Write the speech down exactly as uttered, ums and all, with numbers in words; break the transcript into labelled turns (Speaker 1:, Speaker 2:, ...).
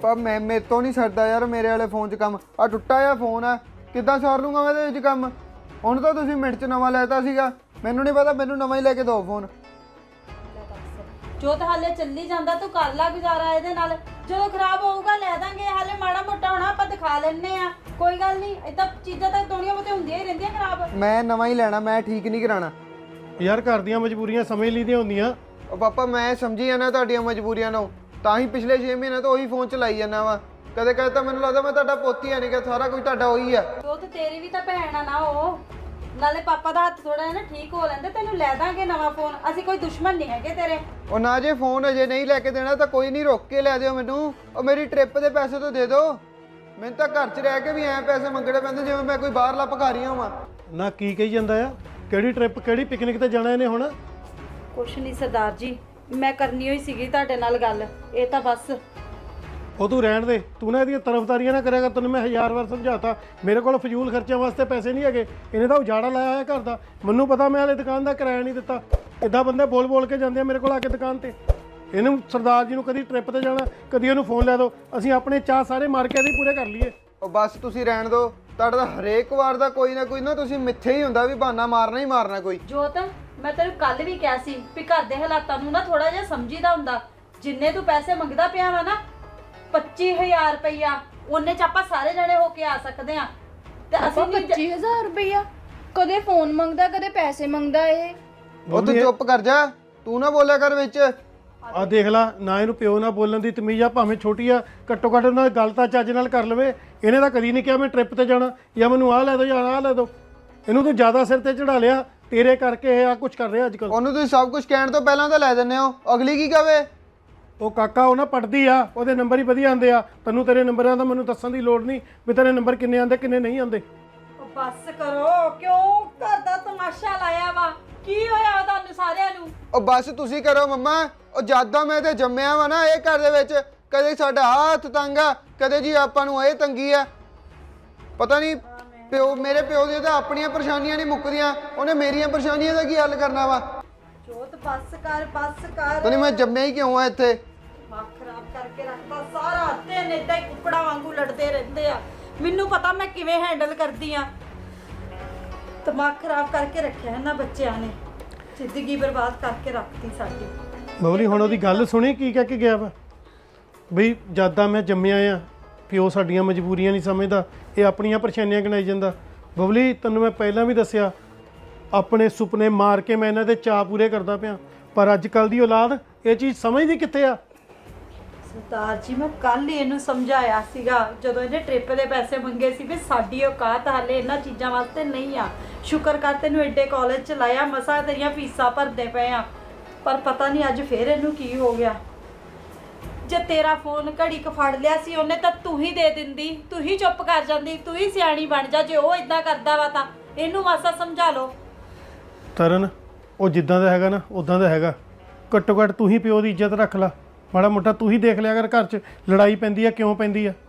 Speaker 1: ਪਾਪਾ ਮੈਂ ਮੇਰੇ ਤੋਂ ਨਹੀਂ ਸਰਦਾ ਯਾਰ ਮੇਰੇ ਵਾਲੇ ਫੋਨ 'ਚ ਕੰਮ ਆ ਟੁੱਟਾ ਜਿਹਾ ਫੋਨ ਆ ਕਿੱਦਾਂ ਸਾਰ ਲੂੰਗਾ ਮੈਂ ਇਹਦੇ ਵਿੱਚ ਕੰਮ ਹੁਣ ਤਾਂ ਤੁਸੀਂ ਮਿੰਟ 'ਚ ਨਵਾਂ ਲੈਤਾ ਸੀਗਾ ਮੈਨੂੰ ਨਹੀਂ ਪਤਾ ਮੈਨੂੰ ਨਵਾਂ ਹੀ ਲੈ ਕੇ ਦਿਓ ਫੋਨ
Speaker 2: ਜੋ ਤਾਂ ਹਾਲੇ ਚੱਲੀ ਜਾਂਦਾ ਤੂੰ ਕਰ ਲਾ ਗੁਜ਼ਾਰਾ ਇਹਦੇ ਨਾਲ ਜਦੋਂ ਖਰਾਬ ਹੋਊਗਾ ਲੈ ਦਾਂਗੇ ਹਾਲੇ ਮਾੜਾ ਮੋਟਾ ਹੋਣਾ ਆਪਾਂ ਦਿਖਾ ਲੈਣੇ ਆ ਕੋਈ ਗੱਲ ਨਹੀਂ ਇਦਾਂ ਚੀਜ਼ਾਂ ਤਾਂ ਦੁਨੀਆ ਵਿੱਚ ਹੁੰਦੀਆਂ ਹੀ ਰਹਿੰਦੀਆਂ ਖਰਾਬ
Speaker 1: ਮੈਂ ਨਵਾਂ ਹੀ ਲੈਣਾ ਮੈਂ ਠੀਕ ਨਹੀਂ ਕਰਾਣਾ
Speaker 3: ਯਾਰ ਘਰ ਦੀਆਂ ਮਜਬੂਰੀਆਂ ਸਮਝ ਲਈਦੀਆਂ ਹੁੰਦੀਆਂ
Speaker 1: ਉਹ ਪਾਪਾ ਮੈਂ ਸਮਝੀ ਜਾਣਾ ਤੁਹਾਡੀਆਂ ਮਜਬੂਰੀਆਂ ਨੂੰ ਤਾਂ ਹੀ ਪਿਛਲੇ ਛੇ ਮਹੀਨੇ ਤੋਂ ਉਹੀ ਫੋਨ ਚਲਾਈ ਜਾਂਦਾ ਵਾ ਕਦੇ ਕਦੇ ਤਾਂ ਮੈਨੂੰ ਲੱਗਦਾ ਮੈਂ ਤੁਹਾਡਾ ਪੋਤੀ ਆ ਨਹੀਂ ਕਿ ਸਾਰਾ ਕੁਝ ਤੁਹਾਡਾ ਉਹੀ ਆ
Speaker 2: ਉਹ ਤੇ ਤੇਰੀ ਵੀ ਤਾਂ ਭੈਣ ਆ ਨਾ ਉਹ ਨਾਲੇ ਪਾਪਾ ਦਾ ਹੱਥ ਥੋੜਾ ਜਿਹਾ ਨਾ ਠੀਕ ਹੋ ਲੈਂਦੇ ਤੈਨੂੰ ਲੈ ਦਾਂਗੇ ਨਵਾਂ ਫੋਨ ਅਸੀਂ ਕੋਈ ਦੁਸ਼ਮਣ ਨਹੀਂ ਹੈਗੇ ਤੇਰੇ
Speaker 1: ਉਹ ਨਾ ਜੇ ਫੋਨ ਅਜੇ ਨਹੀਂ ਲੈ ਕੇ ਦੇਣਾ ਤਾਂ ਕੋਈ ਨਹੀਂ ਰੋਕ ਕੇ ਲੈ ਦਿਓ ਮੈਨੂੰ ਉਹ ਮੇਰੀ ਟ੍ਰਿਪ ਦੇ ਪੈਸੇ ਤਾਂ ਦੇ ਦਿਓ ਮੈਨੂੰ ਤਾਂ ਘਰ 'ਚ ਰਹਿ ਕੇ ਵੀ ਐਂ ਪੈਸੇ ਮੰਗਣੇ ਪੈਂਦੇ ਜਿਵੇਂ ਮੈਂ ਕੋਈ ਬਾਹਰਲਾ ਭਿਖਾਰੀ ਹਾਂ
Speaker 3: ਨਾ ਕੀ ਕਹੀ ਜਾਂਦਾ ਆ ਕਿਹੜੀ ਟ੍ਰਿਪ ਕਿਹੜੀ ਪਿਕਨਿਕ ਤੇ ਜਾਣਾ ਇਹਨੇ ਹੁਣ
Speaker 2: ਕੁਛ ਨਹੀਂ ਸਰਦਾਰ ਜੀ ਮੈਂ ਕਰਨੀ ਹੋਈ ਸੀਗੀ ਤੁਹਾਡੇ ਨਾਲ ਗੱਲ ਇਹ ਤਾਂ ਬਸ
Speaker 3: ਉਹ ਤੂੰ ਰਹਿਣ ਦੇ ਤੂੰ ਨਾ ਇਹਦੀਆਂ ਤਰਫਦਾਰੀਆਂ ਨਾ ਕਰਿਆ ਕਰ ਤੈਨੂੰ ਮੈਂ ਹਜ਼ਾਰ ਵਾਰ ਸਮਝਾਤਾ ਮੇਰੇ ਕੋਲ ਫਜ਼ੂਲ ਖਰਚਿਆਂ ਵਾਸਤੇ ਪੈਸੇ ਨਹੀਂ ਹੈਗੇ ਇਹਨੇ ਤਾਂ ਉਜਾੜਾ ਲਾਇਆ ਹੋਇਆ ਘਰ ਦਾ ਮੈਨੂੰ ਪਤਾ ਮੈਂ ਹਲੇ ਦੁਕਾਨ ਦਾ ਕਿਰਾਇਆ ਨਹੀਂ ਦਿੱਤਾ ਇੱਦਾਂ ਬੰਦੇ ਬੋਲ ਬੋਲ ਕੇ ਜਾਂਦੇ ਆ ਮੇਰੇ ਕੋਲ ਆ ਕੇ ਦੁਕਾਨ ਤੇ ਇਹਨੂੰ ਸਰਦਾਰ ਜੀ ਨੂੰ ਕਦੀ ਟ੍ਰਿਪ ਤੇ ਜਾਣਾ ਕਦੀ ਉਹਨੂੰ ਫੋਨ ਲੈ ਦਿਓ ਅਸੀਂ ਆਪਣੇ ਚਾਹ ਸਾਰੇ ਮਾਰ ਕੇ ਇਹਦੇ ਪੂਰੇ ਕਰ ਲਈਏ
Speaker 1: ਉਹ ਬਸ ਤੁਸੀਂ ਰਹਿਣ ਦਿਓ ਤੁਹਾਡਾ ਤਾਂ ਹਰੇਕ ਵਾਰ ਦਾ ਕੋਈ ਨਾ ਕੋਈ ਨਾ ਤੁਸੀਂ ਮਿੱਥੇ ਹੀ ਹੁੰਦਾ ਵੀ ਬਹਾਨਾ ਮਾਰਨਾ ਹੀ ਮਾਰਨਾ ਕੋਈ
Speaker 2: ਜੋਤ ਮੈਂ ਤੈਨੂੰ ਕੱਲ ਵੀ ਕਿਹਾ ਸੀ ਵੀ ਘਰ ਦੇ ਹਾਲਾਤਾਂ ਨੂੰ ਨਾ ਥੋੜਾ ਜਿਹਾ ਸਮਝੀਦਾ ਹੁੰਦਾ ਜਿੰਨੇ ਤੂੰ ਪੈਸੇ ਮੰਗਦਾ ਪਿਆ ਵਾ ਨਾ ਪੱਚੀ ਹਜ਼ਾਰ ਰੁਪਈਆ ਉਹਨੇ ਚ ਆਪਾਂ ਸਾਰੇ ਜਣੇ ਹੋ ਕੇ ਆ ਸਕਦੇ ਆ ਤੇ ਅਸੀਂ
Speaker 4: ਪੱਚੀ ਹਜ਼ਾਰ ਰੁਪਈਆ ਕਦੇ ਫੋਨ ਮੰਗਦਾ ਕਦੇ ਪੈਸੇ ਮੰਗਦਾ ਇਹ
Speaker 1: ਉਹ ਤੂੰ ਚੁੱਪ ਕਰ ਜਾ ਤੂੰ ਨਾ ਬੋਲਿਆ ਕਰ ਵਿੱਚ
Speaker 3: ਆ ਦੇਖ ਲਾ ਨਾ ਇਹਨੂੰ ਪਿਓ ਨਾਲ ਬੋਲਣ ਦੀ ਤਮੀਜ਼ ਆ ਭਾਵੇਂ ਛੋਟੀ ਆ ਘੱਟੋ ਘੱਟ ਉਹਨਾਂ ਦੀ ਗੱਲ ਤਾਂ ਚੱਜ ਨਾਲ ਕਰ ਲਵੇ ਇਹਨੇ ਤਾਂ ਕਦੀ ਨਹੀਂ ਕਿਹਾ ਮੈਂ ਟ੍ਰਿਪ ਤੇ ਜਾਣਾ ਜਾਂ ਮੈਨੂੰ ਆਹ ਲੈ ਦਿਓ ਜਾਂ ਆਹ ਲੈ ਦਿਓ ਇਹਨੂੰ ਤੂੰ ਜ਼ਿਆਦਾ ਸਿਰ ਤੇ ਚੜਾ ਲਿਆ ਤੇਰੇ ਕਰਕੇ ਇਹ ਆ ਕੁਝ ਕਰ ਰਿਹਾ ਅੱਜ ਕੱਲ੍ਹ
Speaker 1: ਉਹਨੂੰ ਤੁਸੀਂ ਸਭ ਕੁਝ ਕਹਿਣ ਤੋਂ ਪਹਿਲਾਂ ਤਾਂ ਲੈ ਦਿੰਦੇ ਹੋ ਅਗਲੀ ਕੀ ਕਵੇ
Speaker 3: ਉਹ ਕਾਕਾ ਉਹ ਨਾ ਪੜਦੀ ਆ ਉਹਦੇ ਨੰਬਰ ਹੀ ਵਧੀਆ ਆਉਂਦੇ ਆ ਤੈਨੂੰ ਤੇਰੇ ਨੰਬਰਾਂ ਦਾ ਮੈਨੂੰ ਦੱਸਣ ਦੀ ਲੋੜ ਨਹੀਂ ਵੀ ਤੇਰੇ ਨੰਬਰ ਕਿੰਨੇ ਆਉਂਦੇ ਕਿੰਨੇ ਨਹੀਂ ਆਉਂਦੇ
Speaker 2: ਉਹ ਬੱਸ ਕਰੋ ਕਿਉਂ ਘਰ ਦਾ ਤਮਾਸ਼ਾ ਲਾਇਆ ਵਾ ਕੀ ਹੋਇਆ ਤੁਹਾਨੂੰ ਸਾਰਿਆਂ ਨੂੰ
Speaker 1: ਉਹ ਬਸ ਤੁਸੀਂ ਕਰੋ ਮੰਮਾ ਉਹ ਜਿਆਦਾ ਮੈਂ ਤੇ ਜੰਮਿਆ ਵਾ ਨਾ ਇਹ ਘਰ ਦੇ ਵਿੱਚ ਕਦੇ ਸਾਡਾ ਹੱਥ ਤੰਗ ਆ ਕਦੇ ਜੀ ਆਪਾਂ ਨੂੰ ਇਹ ਤੰਗੀ ਆ ਪਤਾ ਨਹੀਂ ਪਿਓ ਮੇਰੇ ਪਿਓ ਦੀਆਂ ਤਾਂ ਆਪਣੀਆਂ ਪਰੇਸ਼ਾਨੀਆਂ ਨਹੀਂ ਮੁੱਕਦੀਆਂ ਉਹਨੇ ਮੇਰੀਆਂ ਪਰੇਸ਼ਾਨੀਆਂ ਦਾ ਕੀ ਹੱਲ ਕਰਨਾ ਵਾ
Speaker 2: ਜੋਤ ਬੱਸ ਕਰ ਬੱਸ ਕਰ
Speaker 1: ਤਾਂ ਨਹੀਂ ਮੈਂ ਜੰਮਿਆ ਹੀ ਕਿਉਂ ਆ ਇੱਥੇ
Speaker 2: ਦਿਮਾਗ ਖਰਾਬ ਕਰਕੇ ਰੱਖਦਾ ਸਾਰਾ ਦਿਨ ਏਦਾਂ ਹੀ ਕੁੱਕੜਾ ਵਾਂਗੂ ਲੜਦੇ ਰਹਿੰਦੇ ਆ ਮੈਨੂੰ ਪਤਾ ਮੈਂ ਕਿਵੇਂ ਹੈਂਡਲ ਕਰਦੀ ਆ ਦਿਮਾਗ ਖਰਾਬ ਕਰਕੇ ਰੱਖਿਆ ਇਹਨਾਂ ਬੱਚਿਆਂ ਨੇ ਜ਼ਿੰਦਗੀ ਬਰਬਾਦ ਕਰਕੇ ਰੱਖਤੀ ਸਾਡੀ
Speaker 3: ਬਬਲੀ ਹੁਣ ਉਹਦੀ ਗੱਲ ਸੁਣੀ ਕੀ ਕਹਿ ਕੇ ਗਿਆ ਵਾ ਬਈ ਜਿਆਦਾ ਮੈਂ ਜੰਮਿਆ ਆ ਪਿਓ ਸਾਡੀਆਂ ਮਜਬੂਰੀਆਂ ਨਹੀਂ ਸਮਝਦਾ ਇਹ ਆਪਣੀਆਂ ਪਰੇਸ਼ਾਨੀਆਂ ਗਿਣਾਈ ਜਾਂਦਾ ਬਬਲੀ ਤੈਨੂੰ ਮੈਂ ਪਹਿਲਾਂ ਵੀ ਦੱਸਿਆ ਆਪਣੇ ਸੁਪਨੇ ਮਾਰ ਕੇ ਮੈਂ ਇਹਨਾਂ ਦੇ ਚਾਅ ਪੂਰੇ ਕਰਦਾ ਪਿਆ ਪਰ ਅੱਜ ਕੱਲ ਦੀ ਔਲਾਦ ਇਹ ਚੀਜ਼ ਸਮਝਦੀ ਕਿੱਥੇ ਆ
Speaker 2: ਸਰਦਾਰ ਜੀ ਮੈਂ ਕੱਲ ਹੀ ਇਹਨੂੰ ਸਮਝਾਇਆ ਸੀਗਾ ਜਦੋਂ ਇਹਨੇ ਟ੍ਰਿਪ ਦੇ ਪੈਸੇ ਮੰਗੇ ਸੀ ਵੀ ਸਾਡੀ ਔਕਾਤ ਹਾਲੇ ਇਹਨਾਂ ਚੀਜ਼ਾਂ ਵਾਸਤੇ ਨਹੀਂ ਆ ਸ਼ੁਕਰ ਕਰ ਤੈਨੂੰ ਐਡੇ ਕਾਲਜ ਚ ਲਾਇਆ ਮਸਾ ਤੇਰੀਆਂ ਫੀਸਾਂ ਭਰਦੇ ਪਏ ਆ ਪਰ ਪਤਾ ਨਹੀਂ ਅੱਜ ਫੇਰ ਇਹਨੂੰ ਕੀ ਹੋ ਗਿਆ ਜੇ ਤੇਰਾ ਫੋਨ ਘੜੀ ਕ ਫੜ ਲਿਆ ਸੀ ਉਹਨੇ ਤਾਂ ਤੂੰ ਹੀ ਦੇ ਦਿੰਦੀ ਤੂੰ ਹੀ ਚੁੱਪ ਕਰ ਜਾਂਦੀ ਤੂੰ ਹੀ ਸਿਆਣੀ ਬਣ ਜਾ ਜੇ ਉਹ ਇਦਾਂ ਕਰਦਾ ਵਾ ਤਾਂ ਇਹਨੂੰ ਮਾਸਾ ਸਮਝਾ ਲਓ
Speaker 3: ਤਰਨ ਉਹ ਜਿੱਦਾਂ ਦਾ ਹੈਗਾ ਨਾ ਉਦਾਂ ਦਾ ਹੈਗਾ ਘੱਟੋ ਘੱਟ ਤੂੰ ਹੀ ਪਿਓ ਦੀ ਇੱਜ਼ਤ ਰੱਖ ਲੈ ਮਾੜਾ ਮੋਟਾ ਤੂੰ ਹੀ ਦੇਖ ਲਿਆ ਕਰ ਘਰ 'ਚ ਲੜਾਈ ਪੈਂਦੀ ਆ ਕਿਉਂ ਪੈਂਦੀ ਆ